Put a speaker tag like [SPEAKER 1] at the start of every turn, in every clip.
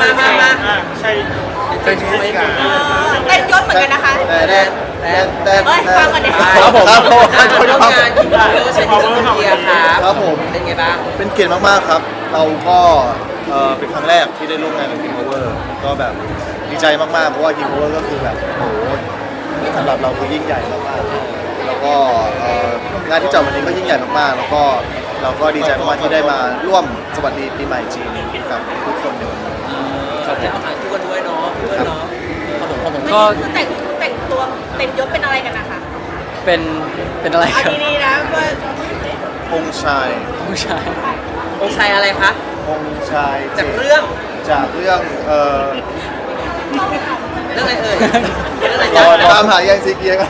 [SPEAKER 1] ใช่
[SPEAKER 2] เป็น
[SPEAKER 1] ใช่ไหมกัน
[SPEAKER 3] เต้นยศเหมือนกันนะคะ
[SPEAKER 4] แต่
[SPEAKER 3] ฟังก่อนเดี๋ยว
[SPEAKER 4] ครับผมครับผม
[SPEAKER 2] ร่วมงานกินข้าวเชิญที่เกียร์ครับ
[SPEAKER 4] ครับผม
[SPEAKER 2] เป็นไงบ้าง
[SPEAKER 4] เป็นเกียรติมากๆครับ เราก็เป็นครั้งแรกที่ได้ร่วมงานกับ King Power ก็แบบดีใจมากๆเพราะว่า King Power ก็คือแบบโอ้โหสำหรับเราคือยิ่งใหญ่มากๆแล้วก็งานที่จัดวันนี้ก็ยิ่งใหญ่มากๆแล้วก็เราก็ดีใจมากๆที่ได้มาร่วมสวัสดีปีใหม่จีนกับทุกคนในวันนี้
[SPEAKER 2] ครับแล้วอาหารคู่กันด้วยเนาะเพื่อนเนาะ
[SPEAKER 5] ผม
[SPEAKER 3] วัน
[SPEAKER 5] ก็
[SPEAKER 3] นี้คือแต่งตัวเต็มยศเป็นอะไรกันนะคะ
[SPEAKER 5] เป็นอะไร
[SPEAKER 3] เอา
[SPEAKER 5] ครับ
[SPEAKER 3] ดีๆนะเพื่อน
[SPEAKER 4] องค์ชาย
[SPEAKER 5] ผู้ชาย
[SPEAKER 2] องค์ชายอะไรคะ
[SPEAKER 4] องค์ชาย
[SPEAKER 2] จากเรื่อง
[SPEAKER 4] จากเรื่อง
[SPEAKER 2] เรื่องอะไรเอ่ยเรื่องอะไร
[SPEAKER 4] ร
[SPEAKER 2] จ๊ะ
[SPEAKER 4] อตามหายังซีเกียร์กัน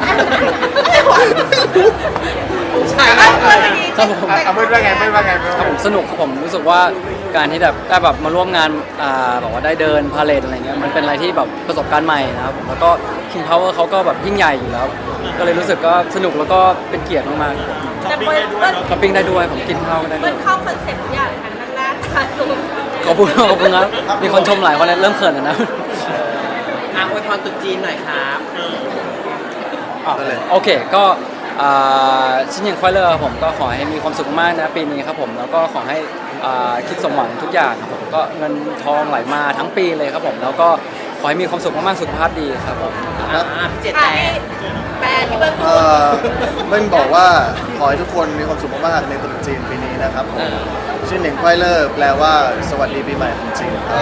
[SPEAKER 2] องค์ชาย
[SPEAKER 3] เอาเพื่อนวันนี้
[SPEAKER 5] ครับผม
[SPEAKER 1] เอาเมื่อว่าไงเมื่อว่าไง
[SPEAKER 5] ครับผมสนุกครับผมรู้สึกว่าการที่แบบได้แบบมาร่วมงานแบบว่าได้เดินพาเลทอะไรเงี้ยมันเป็นอะไรที่แบบประสบการณ์ใหม่นะครับผมแล้วก็ King Power เขาก็แบบยิ่งใหญ่อยู่แล้ว ก็เลยรู้สึกก็สนุกแล้วก็เป็นเกียรติมาก
[SPEAKER 3] แต่เพื่อนเพื่อน
[SPEAKER 5] ๆช้อปปิ้งได้ด้วยผมกินข้าวก็ได้
[SPEAKER 3] เพื่
[SPEAKER 5] ด้
[SPEAKER 3] อ
[SPEAKER 5] วน ย
[SPEAKER 3] เข้าคอนเซ็ปต์ทุกอย่างเลยค่ะนั่งหน้าทานสูง
[SPEAKER 5] ขอบคุณครับมีคนชมหลายคนเลยเริ่มเขินแล้วนะ
[SPEAKER 2] อวยพรตรุ๊จีนหน่อยครับ
[SPEAKER 4] นั่นเลย
[SPEAKER 5] โอเคก็ชิ้นอย่างควายเลอร์ผมก็ขอให้มีความสุขมากนะปีนี้ครับผมแล้วก็ขอให้คิดสมหวังทุกอย่างครับผมก็เงินทองไหลมาทั้งปีเลยครับผมแล้วก็ขอให้มีความสุขมากๆสุขภาพดีครับผม
[SPEAKER 2] พี่เจต
[SPEAKER 3] อ่ะ
[SPEAKER 2] แต่
[SPEAKER 3] นี่แปลที่เบิ้ลพูด
[SPEAKER 4] เบิ้ลบอกว่าขอให้ทุกคนมีความสุขมากๆในตรุษจีนปีนี้นะครับชื่อเหน่งควายเลอร์แปลว่าสวัสดีปีใหม่ของจีนครับ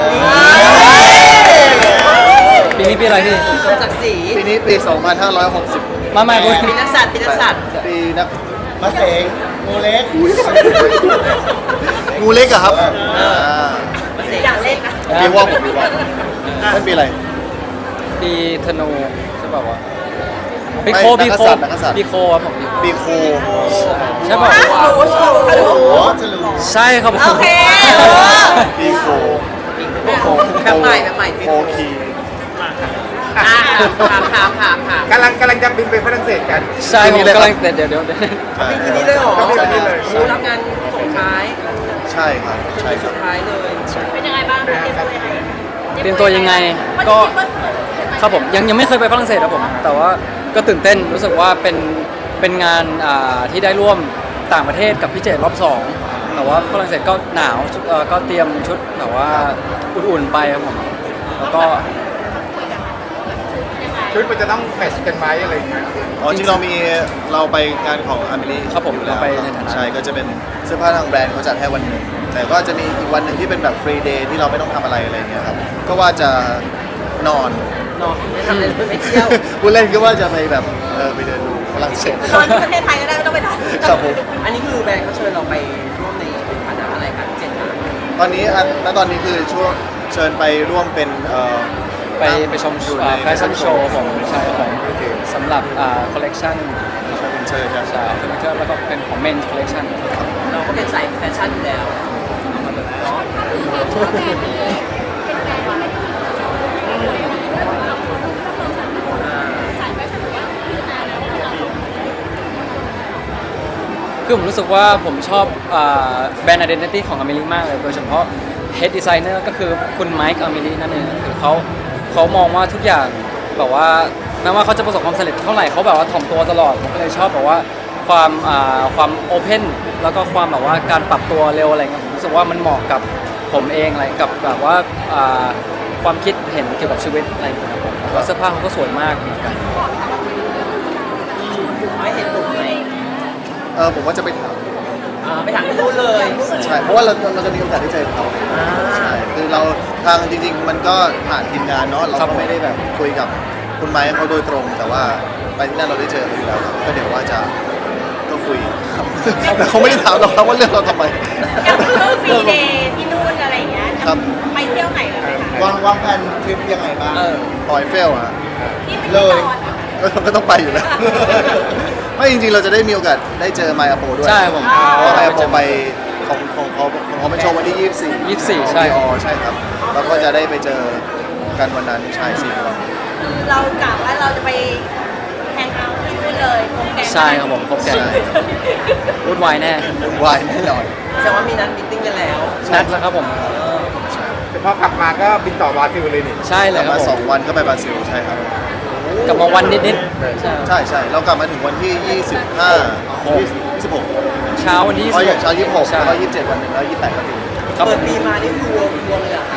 [SPEAKER 5] ปีนี้ปีอะไรพี่
[SPEAKER 2] สมศักดิ์ศรี
[SPEAKER 4] ปีนี้ปี 2560
[SPEAKER 5] มาใหม่คุณ
[SPEAKER 2] ปีนักสัตว์ปีนักสัตว์
[SPEAKER 4] ปีนักมะเสงงูเล็กงูเล็กอะครับ
[SPEAKER 2] มาเสก
[SPEAKER 3] อยากเล่นนะ
[SPEAKER 4] ปีว่าผมปีว่าไม่ปีอะไร
[SPEAKER 5] ปีธนูใช่ป่าวะปี
[SPEAKER 4] ไม่
[SPEAKER 5] โคปีโค
[SPEAKER 4] นักกษัตริย์
[SPEAKER 5] ปีโคครับผม
[SPEAKER 4] ปีโค
[SPEAKER 5] ใช่ป่าว
[SPEAKER 3] ฮัลโหล
[SPEAKER 4] จะรู้
[SPEAKER 5] ใช่ครับผม
[SPEAKER 3] โอเค
[SPEAKER 4] ปีโค
[SPEAKER 2] แบบใหม่แบบใหม่
[SPEAKER 4] โคคี
[SPEAKER 2] ถาม
[SPEAKER 1] กำลังจะบินไปฝรั่งเศสกัน
[SPEAKER 5] ใช่ผมกำลังเดี๋ยว
[SPEAKER 2] ปีนี้เลยเหรอ
[SPEAKER 1] ปีนี้เลย
[SPEAKER 2] รู้รับงานส่งท้าย
[SPEAKER 4] ใช่ครับใช่ครั
[SPEAKER 2] สุ
[SPEAKER 4] บ
[SPEAKER 2] ดท้ายเลย
[SPEAKER 3] เป็นยังไงบ้างคะเตรียมตัวยังไง
[SPEAKER 5] ก็ ครับผมยังไม่เคยไปฝรั่งเศสครับผม แต่ว่าก็ตื่นเต้นรู้สึกว่าเป็นงานที่ได้ร่วมต่างประเทศกับพี่เจตรอบสองแต่ว่าฝรั่งเศสก็หนาวก็เตรียมชุดแบบว่าอุ่นๆไปครับผมแล้วก็
[SPEAKER 1] ชุดมันจะต้องแมทช์กันไหมอะไรอย่างเงี้ย
[SPEAKER 4] อ๋อจริงเราไปงานของอเมริ
[SPEAKER 5] ครับผม
[SPEAKER 4] อยู่แล้ว
[SPEAKER 5] เราไปในฐานะ
[SPEAKER 4] ใช่ก็จะเป็นเสื้อผ้าทางแบรนด์เขาจัดให้วันหนึ่งแต่ก็จะมีอีกวันหนึ่งที่เป็นแบบฟรีเดย์ที่เราไม่ต้องทำอะไรอะไรอย่างเงี้ยครับก็ว่าจะนอน
[SPEAKER 2] นอนไม่ทำอะไรเลยไม่เที่ยว
[SPEAKER 4] ผู้เล่นก็ว่าจะไปแบบไปเดินดูฝรั่งเศส
[SPEAKER 3] นอนที่ประเทศไทยก็ได้ไม่ต้องไปนอน
[SPEAKER 4] ครับผม
[SPEAKER 2] อันนี้คือแบรนด์เขาเชิญเราไปร่วมในฐานะอะไรครับเจตนา
[SPEAKER 4] ตอนนี้ตอนนี้คือช่วงเชิญไปร่วมเป็น
[SPEAKER 5] ไปชม
[SPEAKER 4] อยู่ใน
[SPEAKER 5] แฟชั่นโชว์ของใช่ของสำหรับคอลเลกชัน
[SPEAKER 4] เชิญครับ
[SPEAKER 5] ใช่คอลเลกชันแล้วก็เป็นของเมนคอลเลกชัน
[SPEAKER 2] เราก็เป็นสายแฟชั่นอยู่แล้วเนาะ
[SPEAKER 5] คือผมรู้สึกว่าผมชอบแบรนด์ identity ของอเมริมากเลยโดยเฉพาะ head designer ก็คือคุณไมค์อเมรินั่นเองคือเขามองว่าทุกอย่างแบบว่าแม้ว่าเขาจะประสบความสำเร็จเท่าไหร่เขาแบบว่าถ่อมตัวตลอดผมก็เลยชอบแบบว่าความโอเพนแล้วก็ความแบบว่าการปรับตัวเร็วอะไรเงี้ยผมรู้สึกว่ามันเหมาะกับผมเองอะไรกับแบบว่าความคิดเห็นเกี่ยวกับชีวิตอะไรอย่างเงี้ยครับผมแล้วเสื้อผ้าเขาก็สวยมากเหมือนกัน
[SPEAKER 2] ไม่เห็นปุ่มไหม
[SPEAKER 4] ผมว่าจะไปถาม
[SPEAKER 2] ไปถามที่นู่นเลย
[SPEAKER 4] ใช่เพราะว่าเราจะมีโอกาสได้เจอเขาใช่คือเราทางจริงๆมันก็ผ่านทีมงานเนาะเราก็ไม่ได้แบบคุยกับคุณไม้เขาโดยตรง แต่ว่าไปที่นั่นเราได้เจอเขาอยู่แล้วครับก็เดี๋ยวว่าจะก็คุยครับแต่เขาไม่ได้ถามเราครับว่าเรื่องเราทำไม
[SPEAKER 3] อยากเพิ่มฟรีเดย์ที่นู่นอะไรอย่างเงี้ย
[SPEAKER 4] ครับ
[SPEAKER 3] ไปเที่ยวไหนกันไหมคะ
[SPEAKER 4] วางแผนทริปยังไงบ้างปอยเฟลอะ
[SPEAKER 3] ที่ไม่ได้นอนอะ
[SPEAKER 4] ก็ต้องไปอยู่แล้ว ไม่จริงๆเราจะได้มีโอกาสได้เจอไมอาโปด้วย
[SPEAKER 5] ใช่ผม
[SPEAKER 4] เพราะไมอาโปไปของเขาเป็นโชว์วันที่ 24
[SPEAKER 5] 24ใช่
[SPEAKER 4] อ๋อใช่ครับเราก็จะได้ไปเจอกันวันนั้นใช่4 วัน
[SPEAKER 3] คือเรากะว่าเราจะไปแฮงเอาท์ที่นู่นเลยคงแกง
[SPEAKER 5] ใช่ครับผมครบแกงวุ่นวายแน่
[SPEAKER 4] วุ่นวายแน่นอน
[SPEAKER 2] แสดงว่ามีนัดมิทติ้งกันแล้ว
[SPEAKER 5] นัดแล้วครับผม
[SPEAKER 1] แพอกลับมาก็บินต่อบราซิลเลยนี่
[SPEAKER 5] ใช่เล
[SPEAKER 4] กลั
[SPEAKER 5] ย
[SPEAKER 4] บ
[SPEAKER 5] ครับ
[SPEAKER 4] มา
[SPEAKER 5] ผม
[SPEAKER 4] 2 วันก็ไปบราซิลใช่ครับ
[SPEAKER 5] กลับมาวันนิดๆใช่
[SPEAKER 4] ใช่เรากลับมาถึงวันที่ 26
[SPEAKER 5] เช้าวันที่
[SPEAKER 4] อ๋ออย่างเช้า26
[SPEAKER 5] ใช่
[SPEAKER 4] แล้วก็27วันหนึ่งแล้ว28ก็ถึง
[SPEAKER 5] ครับผ
[SPEAKER 2] เปิด
[SPEAKER 5] ม
[SPEAKER 2] ปีมานี่คือรวมเลยเหรอ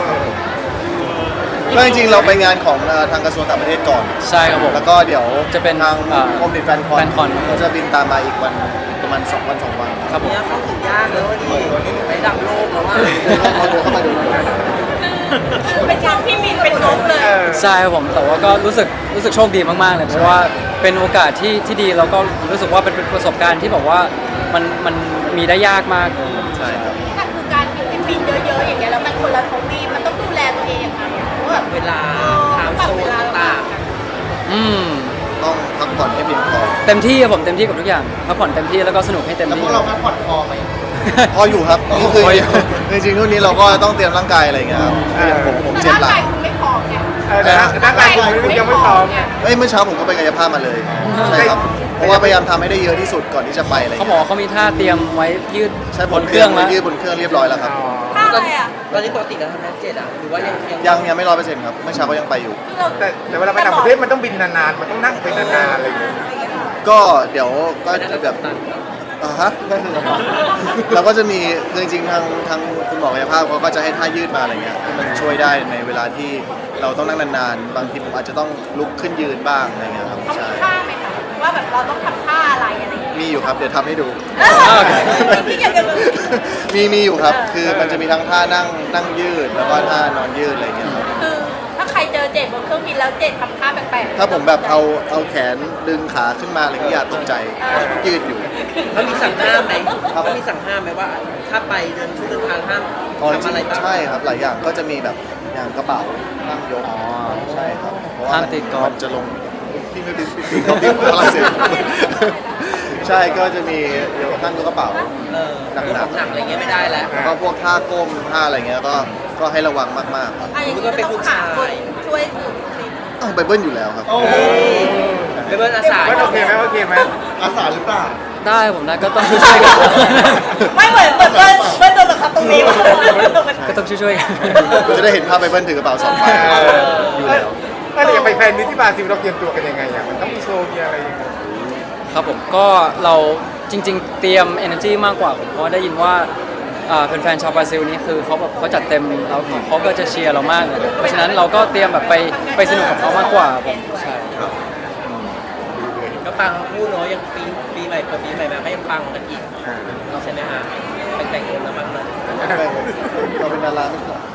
[SPEAKER 4] ก็จริงๆเราไปงานของทางกระทรวงต่างประเทศก่อน
[SPEAKER 5] ใช่ครับผม
[SPEAKER 4] แล้วก็เดี๋ยว
[SPEAKER 5] จะเป็น
[SPEAKER 4] ทางกรมดิแฟนคอน
[SPEAKER 5] แฟนคอน
[SPEAKER 4] ก็จะบินตามมาอีกวันประมาณ2 วัน 2 วัน
[SPEAKER 5] ครับผม
[SPEAKER 2] เนี่ยเข้าถึงยากเลยว่านี่ไปดับโลกแล้วว่า
[SPEAKER 4] เราเดินเข้ามาดู
[SPEAKER 3] เป็นช่องที่มีเป็นนกเลย
[SPEAKER 5] ใช่ครับผมแต่ว่าก็รู้สึกโชคดีมากๆเลยเพราะว่าเป็นโอกาสที่ดีแล้วก็รู้สึกว่าเป็นประสบการณ์ที่แบบว่ามันมีได้ยากมากเลย
[SPEAKER 4] ใช่ครับ
[SPEAKER 3] แต่คือการบินเยอะๆอย่างเงี้ยแล้วมันคนละทวีปมันต้องดูแลตัวเองยังไงอะเพราะแบบ
[SPEAKER 2] เวลาไทม์โซนต่าง
[SPEAKER 5] อืม
[SPEAKER 4] ต้องพักผ่อนให้เพียงพอ
[SPEAKER 5] เต็มที่ครับผมเต็มที่กับทุกอย่างพักผ่อนเต็มที่แล้วก็สนุกให้เต็มที่
[SPEAKER 4] พออยู่ครับนี่คือ
[SPEAKER 5] พออยู่
[SPEAKER 4] จริงๆทุกนี้เราก็ต้องเตรียมร่างกายอะไรอย่างเงี้ยครับอย่างผม
[SPEAKER 3] แต่
[SPEAKER 4] เจ็บ
[SPEAKER 3] ร่าง
[SPEAKER 4] หลั
[SPEAKER 3] กาง ยคุณไม่พร้อมไง
[SPEAKER 1] ร่างกายคุณยังไม่พร้อม
[SPEAKER 3] ไง
[SPEAKER 4] เอ้ยเมื่อเช้าผมก็ไปกายภาพมาเลยใช่ครับเพราะว่าพยายามทำให้ได้เยอะที่สุดก่อนที่จะไปอะไร
[SPEAKER 5] เขา
[SPEAKER 4] เงี้ย
[SPEAKER 5] บอกว่าเขามีท่าเตรียมไว้ยืด
[SPEAKER 4] ใช่
[SPEAKER 5] บบ น
[SPEAKER 4] น
[SPEAKER 5] เค
[SPEAKER 4] เค
[SPEAKER 5] รื่
[SPEAKER 4] รื่
[SPEAKER 5] อ
[SPEAKER 4] อง ง
[SPEAKER 5] แล้ว
[SPEAKER 4] ยืดบนเครื่องเรียบร้อยแล้วครับ
[SPEAKER 3] ท่าอะไรอ่ะ
[SPEAKER 2] ๆตอนนี้ปกติเราทำแพ็กเกจอ่ะหรือว่ายัง
[SPEAKER 4] ยังไม่100%ครับเมื่อเช้าก็ยังไปอยู่
[SPEAKER 1] แต่เวลาไปต่างประเทศมันต้องบินนานๆมันต้องนั่งไปนานๆอะไรอย่างเงี้ย
[SPEAKER 4] ก็เดี๋ยวก็
[SPEAKER 2] นั่น
[SPEAKER 4] จะ
[SPEAKER 2] แบ
[SPEAKER 4] แบบ บ
[SPEAKER 2] ตัน
[SPEAKER 4] ฮะนั่นคือเราก็จะมีคือจริงๆทางคุณหมอกายภาพเขาก็จะให้ท่ายืดมาอะไรเงี้ยที่มันช่วยได้ในเวลาที่เราต้องนั่งนานๆบางทีผมอาจจะต้องลุกขึ้นยืนบ้างอะไรเงี้ยครับ
[SPEAKER 3] เขา
[SPEAKER 4] ใช่
[SPEAKER 3] มีท่าไหมคะว่าแบบเราต้องทำท่าอะไรอะไรอย่างเงี้ย
[SPEAKER 4] มีอยู่ครับเดี๋ยวทำให้ดู
[SPEAKER 3] ที่อยากจะรู้
[SPEAKER 4] มีอยู่ครับ คือมันจะมีทั้งท่านั่งยืดแล้วก็ท่านอนยืดอะไรเงี้ยครับ
[SPEAKER 3] คือถ้าใครเจอเจดบนเครื่องบินแล้วเจดทำท่าแปลกๆ
[SPEAKER 4] ถ้าผมแบบเอาแขนดึงขาขึ้นมาอะไรเงี้ยอย่าตกใจยืดอยู่
[SPEAKER 2] เขามีสั่งห้ามไหมเขามีสั่งห้ามไหมว่าถ้าไปเดินช่วงเดินทางห้าม
[SPEAKER 4] อ๋อจ
[SPEAKER 2] ทำอะไร
[SPEAKER 4] ริง
[SPEAKER 2] บ้าง
[SPEAKER 4] ๆใช่ครับหลายอย่างก็จะมีแบบอย่างกระเป๋านั่งยก
[SPEAKER 5] อ๋อ
[SPEAKER 4] ใช่ครับเพราะว่า
[SPEAKER 5] ห้ามติดกอล์ฟ
[SPEAKER 4] มันจะลงที่ไม่ติดกอล์ฟที่ฝรั่งเศสใช่ก็จะมีนั่งยกกระเป๋า
[SPEAKER 2] หนักๆอะไรเงี้ยไม่ได้แล้ว
[SPEAKER 4] แล้วก็พวกท่าก้มท่าอะไรเงี้ยก็ให้ระวังมากๆครับ
[SPEAKER 3] อ่ะอย่างนี้ก็ต้องหาคนช่วยถือสิ
[SPEAKER 4] ต้องไปเบิ้ลอยู่แล้วครับ
[SPEAKER 2] ไปเบิร์นอาสา
[SPEAKER 1] ว่าโอเคไหมโอเคไหม
[SPEAKER 4] อาสาหรือเปล่า
[SPEAKER 5] ได้ผมนะก็ต้องช่วยๆกัน
[SPEAKER 3] ไม่เหมือนเบิ้ลโดนบังคับตรงนี้
[SPEAKER 5] ก็ต้องช่วยๆกัน
[SPEAKER 4] จะได้เห็นภาพไปเบิ้ลถือกระเป๋า2 ใบอยู่แล้ว
[SPEAKER 1] ถ้าเราอยากไปแฟนมิตรที่บราซิลเราเตรียมตัวกันยังไงอ่ะมันต้องมีโชว์มีอะไรอย่างเงี้ย
[SPEAKER 5] ครับผมก็เราจริง ๆ เตรียม energy มากกว่าผมเพราะได้ยินว่าแฟนๆชาวบราซิลนี่คือเขาแบบเขาจัดเต็มแล้วเขาก็จะเชียร์เรามากเลยเพราะฉะนั้นเราก็เตรียมแบบไปสนุกกับเขามากกว่าผมใช่
[SPEAKER 2] ก็ปังทั้งคู่เนาะยังปีใหม่เปิดปีใหม่มาก็ยังปังกันอีกใช่ไหมฮะแต่งเงินแล้วมั้งนะ
[SPEAKER 4] เราเป็นดาราไม่ใช่เหรอ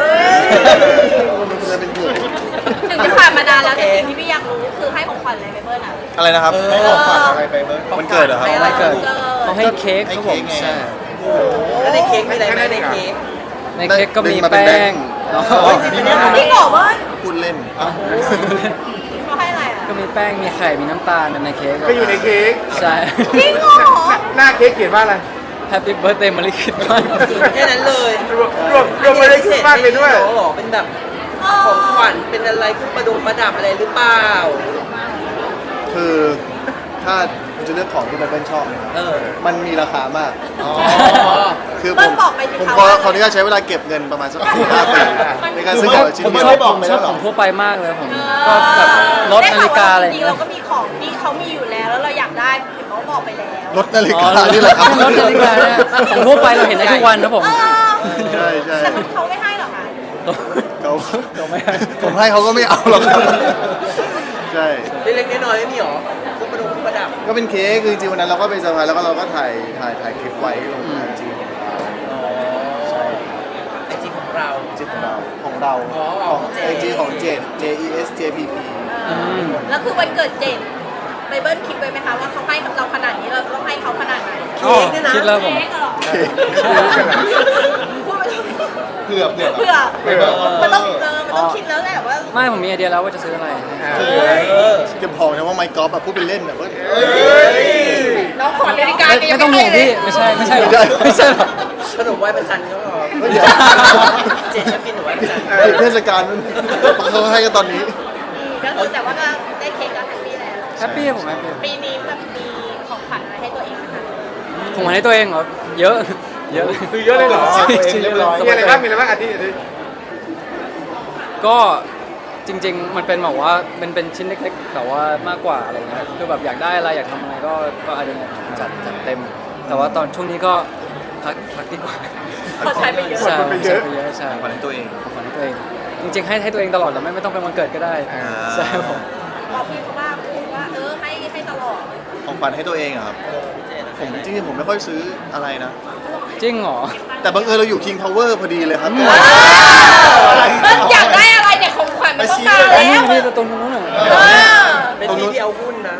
[SPEAKER 4] เราเป็นเพื่อน
[SPEAKER 3] ถึงจะผ่านมานานแล้วแต่สิ่งที่พี่อยากรู้คือให้ของขวัญอะไรไปเบิ้ลอ่ะ
[SPEAKER 4] อะไรนะครับ
[SPEAKER 3] ให้ของขวัญอะไร
[SPEAKER 4] ไปเบิ้ลมันเกิดเหรอครับ
[SPEAKER 2] ให้อะไร
[SPEAKER 5] เกิด
[SPEAKER 3] เกิด
[SPEAKER 5] เขาให้เค้กครับผม
[SPEAKER 4] ให้เค้กไง
[SPEAKER 5] ใช่
[SPEAKER 2] แล้วในเค้กมีอะไรไหมในเค้ก
[SPEAKER 5] ในเค้กก็มี
[SPEAKER 4] ดึงมาเป็น
[SPEAKER 5] แป้
[SPEAKER 4] แบ
[SPEAKER 5] ง
[SPEAKER 4] งค์
[SPEAKER 5] เนาะ
[SPEAKER 2] โอ้ยจริงปะเนี่ย
[SPEAKER 3] พี่บอกว่า
[SPEAKER 4] พูดเล่น
[SPEAKER 3] เขาให้อะไรอ่ะ
[SPEAKER 5] ก็มีแป้งมีไข่มีน้ำตาลในเค้ก
[SPEAKER 1] ก็อยู่ในเค้ก
[SPEAKER 5] ใช่
[SPEAKER 3] จริงเหรอ
[SPEAKER 1] หน้าเค้กเขียนว่าอะไร
[SPEAKER 5] Happy Birthday มาริคิดมาก
[SPEAKER 2] แค่นั้นเลย
[SPEAKER 1] รวมไปเลยคิดมากเลยด้วย
[SPEAKER 2] หรอเป็นแบบของขวัญเป็นอะไรเครื่องประดับอะไรหรือเปล่า
[SPEAKER 4] คือถ้าคุณจะเลือกของที่มันเป็นชอบเนะครับ
[SPEAKER 2] เออ
[SPEAKER 4] มันมีราคามาก
[SPEAKER 2] อ๋อ
[SPEAKER 4] คือ
[SPEAKER 3] เบิ้
[SPEAKER 4] ผ
[SPEAKER 3] ล
[SPEAKER 4] ม
[SPEAKER 3] บอกไปสิ
[SPEAKER 4] ผม
[SPEAKER 3] คะ
[SPEAKER 4] ขอ
[SPEAKER 3] ว่า
[SPEAKER 4] ขออนุญาตใช้เวลาเก็บเงินประมาณสัก4-5 ปีในการซื้อของชิ้น
[SPEAKER 5] ผม
[SPEAKER 4] เดีย
[SPEAKER 5] ชอบ
[SPEAKER 4] ว
[SPEAKER 5] ชอบของทั่วไปมากเลยผมก็แบบรถนาฬิกาอะไร
[SPEAKER 3] จริงๆเราก็มีของที่เขามีอยู่แล้วแล้วเราอยากได้เห็นเขาบอกไปแล้ว
[SPEAKER 4] รถนาฬิ
[SPEAKER 5] อ๋อก
[SPEAKER 4] านี่แหละครับ
[SPEAKER 5] รถนาฬิกาเนี่ยของทั่วไปเราเห็นได้ทุกวันนะผม
[SPEAKER 4] ใช่ใช่
[SPEAKER 3] แต่เขาไม่ให้หรอกค่ะ
[SPEAKER 4] เขา
[SPEAKER 5] ไม่ให้
[SPEAKER 4] ผมให้เขาก็ไม่เอาหรอกครับใช่
[SPEAKER 2] เล็กๆน้อยๆไม่มีหรอเครื่องประดับ
[SPEAKER 4] ก็เป็นเค้กคือจริงๆวันนั้นเราก็ไปเซอร์ไพรส์แล้วก็เราก็ถ่ายคลิปไว้ลงไอจี
[SPEAKER 2] อ๋อ
[SPEAKER 4] ใช่
[SPEAKER 2] ไอจีของเรา
[SPEAKER 4] จีของเรา
[SPEAKER 2] อ๋อ
[SPEAKER 4] ของ
[SPEAKER 2] ของเจ
[SPEAKER 4] ไอจีของเจด JESJPP
[SPEAKER 3] แล้วคือวันเกิดเจนไปเบิ้ลคิดไว้ไหมคะว่าเขาให้เราขนาดนี้เราต้องให้เขาขนาดไหน
[SPEAKER 2] เค้กเนี่ยนะ
[SPEAKER 5] คิดแล้วผม
[SPEAKER 3] เค้กเหรอ
[SPEAKER 4] เค้ก
[SPEAKER 3] พูดไปเลย
[SPEAKER 4] เผื่อ
[SPEAKER 3] เผื่อมันต้องมันต้องคิดแล้วแหละว่า
[SPEAKER 5] ไม่ผมมีไอเดียแล้วว่าจะซื้ออะไร
[SPEAKER 4] จะบอกนะว่าไมค์กอล์ฟแบบพูดเป็นเล่นแบบว่า
[SPEAKER 3] น้องขอนาฬิกา
[SPEAKER 5] ไม่ต้องห่วงพี่ไม่ใช่หรอกไม่ใช่หรอก
[SPEAKER 2] ขนมไหว้พระจันทร์ก็พอ
[SPEAKER 4] เดี๋ยว
[SPEAKER 2] เจนชอบกินขนมไหว้พระจันทร์
[SPEAKER 4] ติดเทศกาลมันเขาให้กันตอนนี้
[SPEAKER 3] ก็คือแต่ว่าก็ได้เค้กก็แฮปปี้แล้ว
[SPEAKER 5] แฮปปี้ผมแฮปปี้
[SPEAKER 3] ปีนี้แบบมีของขวัญอะไรให้ตัวเองไหมคะ
[SPEAKER 5] ผมให้ตัวเองเหรอเยอะ
[SPEAKER 1] ซื้อเยอะเลยเหรอ
[SPEAKER 5] จริงๆ
[SPEAKER 1] มีอะไรบ้างมีอะไรบ้างอาทิตย์
[SPEAKER 5] ก็จริงๆมันเป็นแบบว่าเป็นชิ้นเล็กๆแต่ว่ามากกว่าอะไรเงี้ยคือแบบอยากได้อะไรอยากทำอะไรก็อาจจะจัดเต็ม แต่ว่าตอนช่วงนี้ก็พักดีกว่า
[SPEAKER 3] เขาใช้ไปเยอะ
[SPEAKER 5] ใช่
[SPEAKER 1] คนไปเยอะ
[SPEAKER 5] ใช้ไปเยอะใช่
[SPEAKER 4] ขวัญให้ตัวเอง
[SPEAKER 5] ของขวัญให้ตัวเอง จริงๆให้ตัวเองตลอดแต่ไม่ต้องเป็นวันเกิดก็ได้ใช่ครับผม
[SPEAKER 3] บอกพี่เขาว่าให้ตลอด
[SPEAKER 4] ของขวัญให้ตัวเองอะครับผมจริงๆผมไม่ค่อยซื้ออะไรนะ
[SPEAKER 5] จริงเหรอ
[SPEAKER 4] แต่บังเอิญเราอยู่ King Power พอดีเลยครับ
[SPEAKER 3] อยากได้อะไรเนี่ยของขวัญมันต้องการ
[SPEAKER 5] อัน
[SPEAKER 3] แล้
[SPEAKER 5] นี้
[SPEAKER 3] ว
[SPEAKER 5] นี่ตรงนู้นน่ะ
[SPEAKER 2] เป็นที่ที่เอาหุ้นนะ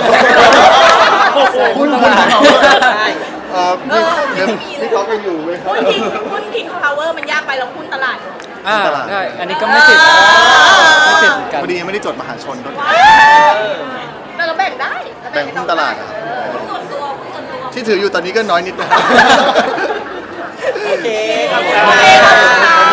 [SPEAKER 4] หุ้น
[SPEAKER 5] ตลาด
[SPEAKER 2] ใช่
[SPEAKER 4] นี่เขาเป็นอยู่ไหมครับ
[SPEAKER 3] หุ้นคิงพาวเวอร์มันยากไปแล้วหุ้นตลาด
[SPEAKER 5] ได้อันนี้ก็ไม่ติดไม่ติดเหมือนกัน
[SPEAKER 4] พอดียังไม่ได้จดมหาชนด้วย
[SPEAKER 3] แต่เราแบ่งได้
[SPEAKER 4] แบ่งหุ้นตลาดอะ
[SPEAKER 3] หุ้นส่วนตัวหุ้นส่วนตัว
[SPEAKER 4] ที่ถืออยู่ตอนนี้ก็น้อยนิดนะ
[SPEAKER 2] โอเค
[SPEAKER 3] ขอบคุณค่ะ